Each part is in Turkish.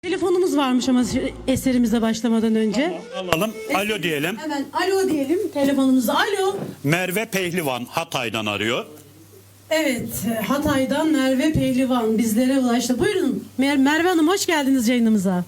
Telefonumuz varmış ama eserimize başlamadan önce. Alalım. Alo diyelim. Hemen alo diyelim telefonumuza. Alo. Merve Pehlivan Hatay'dan arıyor. Evet, Hatay'dan Merve Pehlivan bizlere ulaştı. Buyurun Merve Hanım, hoş geldiniz yayınımıza.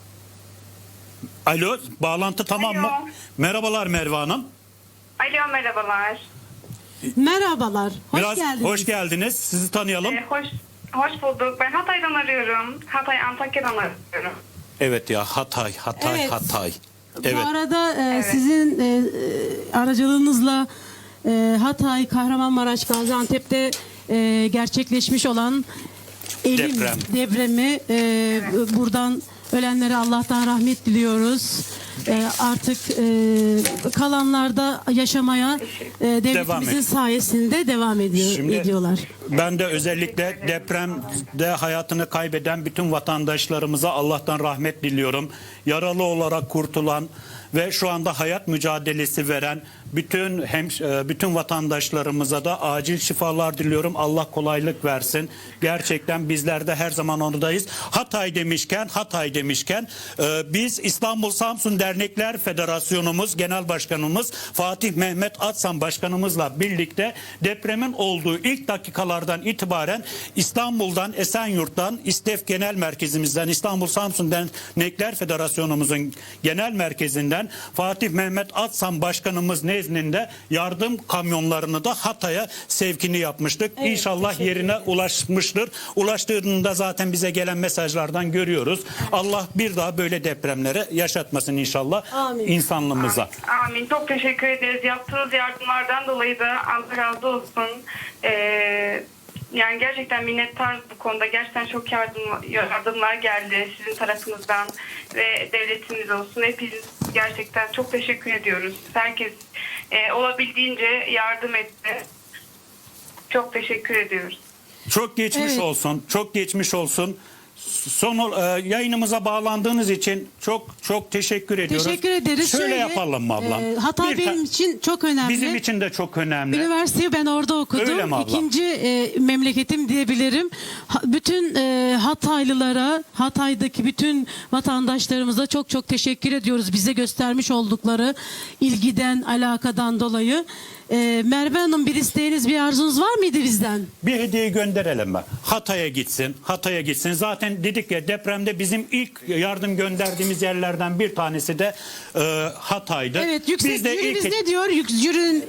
Alo, bağlantı tamam mı? Alo. Merhabalar Merve Hanım. Alo, merhabalar. Merhabalar, hoş geldiniz. Hoş geldiniz. Sizi tanıyalım. Hoş bulduk. Ben Hatay'dan arıyorum. Antakya'dan arıyorum. Evet ya, Hatay. Evet. Evet. Bu arada sizin aracılığınızla Hatay, Kahramanmaraş, Gaziantep'te gerçekleşmiş olan depremi buradan ölenlere Allah'tan rahmet diliyoruz. Artık kalanlarda yaşamaya devletimizin sayesinde devam ediyorlar. Ben de özellikle depremde hayatını kaybeden bütün vatandaşlarımıza Allah'tan rahmet diliyorum. Yaralı olarak kurtulan ve şu anda hayat mücadelesi veren bütün vatandaşlarımıza da acil şifalar diliyorum. Allah kolaylık versin. Gerçekten bizler de her zaman oradayız. Hatay demişken biz İstanbul Samsun Dernekler Federasyonumuz Genel Başkanımız Fatih Mehmet Atsan Başkanımızla birlikte depremin olduğu ilk dakikalardan itibaren İstanbul'dan, Esenyurt'tan, İSTEF Genel Merkezimizden, İstanbul Samsun Dernekler Federasyonumuzun genel merkezinden Fatih Mehmet Atsan Başkanımız nezdinde yardım kamyonlarını da Hatay'a sevkini yapmıştık. Evet, İnşallah yerine ulaşmıştır. Ulaştığında zaten bize gelen mesajlardan görüyoruz. Allah bir daha böyle depremleri yaşatmasın inşallah. Amin. İnsanlığımıza. Amin. Çok teşekkür ederiz. Yaptığınız yardımlardan dolayı da Allah razı olsun. Yani gerçekten minnettar bu konuda. Gerçekten çok yardımlar geldi sizin tarafınızdan ve devletiniz olsun. Hepiniz gerçekten çok teşekkür ediyoruz. Herkes olabildiğince yardım etti. Çok teşekkür ediyoruz. Çok geçmiş olsun. Çok geçmiş olsun. Yayınımıza bağlandığınız için çok teşekkür ediyoruz. Teşekkür ederiz. Şöyle yapalım mı ablam? Hatay benim için çok önemli. Bizim için de çok önemli. Üniversiteyi ben orada okudum. Öyle mi ablam? İkinci memleketim diyebilirim. Bütün Hataylılara, Hatay'daki bütün vatandaşlarımıza çok teşekkür ediyoruz. Bize göstermiş oldukları ilgiden, alakadan dolayı. Merve Hanım, bir isteğiniz, bir arzunuz var mıydı bizden? Bir hediye gönderelim mi? Hatay'a gitsin. Zaten dedik ya, depremde bizim ilk yardım gönderdiğimiz yerlerden bir tanesi de Hatay'dı. Evet, yüksek Biz de jürimiz ne diyor? Jürinin...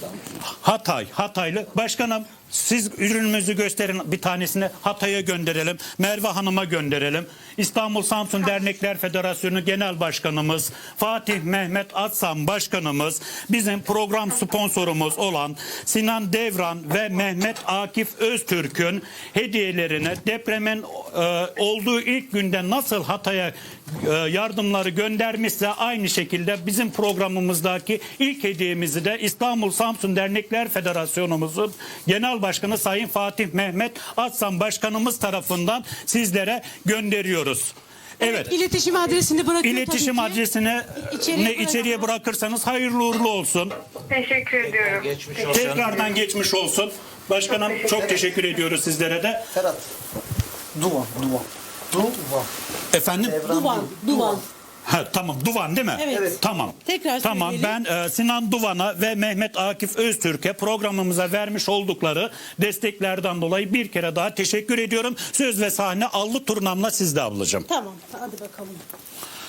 Hataylı. Başkanım, siz ürünümüzü gösterin, bir tanesini Hatay'a gönderelim. Merve Hanım'a gönderelim. İstanbul Samsun Dernekler Federasyonu Genel Başkanımız Fatih Mehmet Atsan Başkanımız, bizim program sponsorumuz olan Sinan Devran ve Mehmet Akif Öztürk'ün hediyelerine depremin olduğu ilk günde nasıl Hatay'a yardımları göndermişse aynı şekilde bizim programımızdaki ilk hediyemizi de İstanbul Samsun Dernekler Federasyonumuzun Genel Başkanı Sayın Fatih Mehmet Atsan Başkanımız tarafından sizlere gönderiyoruz. Evet. İletişim adresini bırakın. İletişim adresini içeriye bırakırsanız hayırlı uğurlu olsun. Teşekkür ediyorum. Tekrardan geçmiş olsun. Başkanım, çok teşekkür ediyoruz sizlere de. Ferhat. Duvan. Efendim? Duvan. Ha, tamam, Duvan değil mi? Evet. Tamam. Tekrar tamam, söyleyelim. ben Sinan Duvan'a ve Mehmet Akif Öztürk'e programımıza vermiş oldukları desteklerden dolayı bir kere daha teşekkür ediyorum. Söz ve sahne allı turnamla sizde ablacığım. Tamam, hadi bakalım.